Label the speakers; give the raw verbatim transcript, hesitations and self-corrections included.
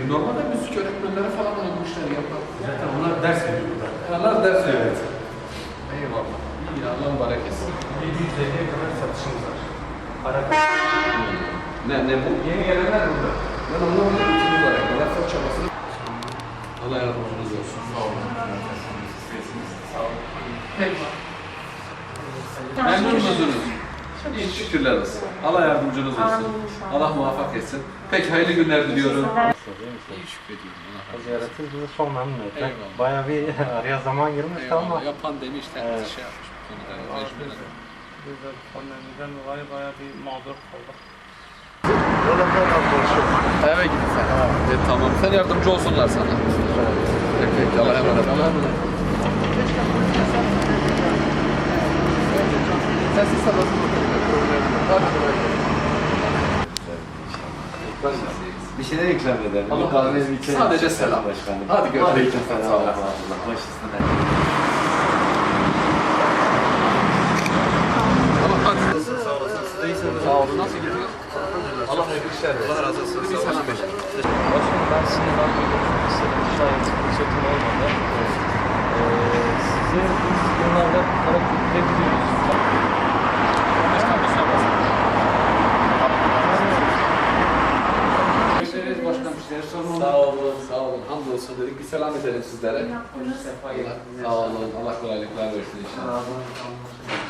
Speaker 1: Normalde müzik öğretmenleri falan da bu işleri yapar.
Speaker 2: Zaten onlar ders veriyor burada.
Speaker 1: Onlar ders veriyor.
Speaker 2: Evet.
Speaker 1: Eyvallah. İyi, Allah mübarek etsin.
Speaker 2: yedi yüz elliye kadar satışımız var. Para
Speaker 1: Ne, ne bu?
Speaker 2: Yeni gelenler burada.
Speaker 1: Ben anlamadım. Bütün mübarek. Allah çok çabasını. Allah yardımcınız olsun. Sağ olun. Sağ olun. Peki. Memnun musunuz? İyi, şükürler olsun. Allah yardımcınız olsun. Allah muvaffak etsin. Peki, hayırlı günler diliyorum. İyi, şükrediyorum. Allah razı olsun.
Speaker 3: Ziyaretiniz bizi çok memnun etti.
Speaker 1: Eyvallah.
Speaker 3: Bayağı bir araya zaman girmişti ama
Speaker 1: Eyvallah. Ya pandemi işte
Speaker 3: Evet.
Speaker 1: şey yapmış bu konuda. Mecburen.
Speaker 4: Biz de pandemiden dolayı bayağı bir mağdur kaldık.
Speaker 1: Eve git sen. E, tamam. Sen yardımcı olsunlar sana. Peki, peki. Allah'a emanet. Allah'a emanet. Sessiz sabahsın.
Speaker 5: Bir şeyler ikram edelim.
Speaker 1: Allah razı olsun. Sadece selam.
Speaker 5: Başkanım.
Speaker 1: Hadi görüşürüz.
Speaker 5: Aleyküm selam.
Speaker 1: Sağ olun.
Speaker 5: Baş üstüne.
Speaker 1: Tamam, hadi. Sağ olasın. Sağ olun. Nasıl gidiyor? Allah hayırlı işler versin. Allah razı olsun. Bir selam verin.
Speaker 4: Başkanım ben sınırdan geliyorum. İstedim şayet fırsatım olmadı. Ee, sizi biz yıllarda Karaköy'de biliyoruz.
Speaker 1: Başkan bir soru. Bekleriz başkan bir şeyler sorun. Sağ olun, sağ olun. Hamdolsun dedik. Bir selam edelim sizlere. Allah, sağ olun. Allah kolaylıklar versin inşallah.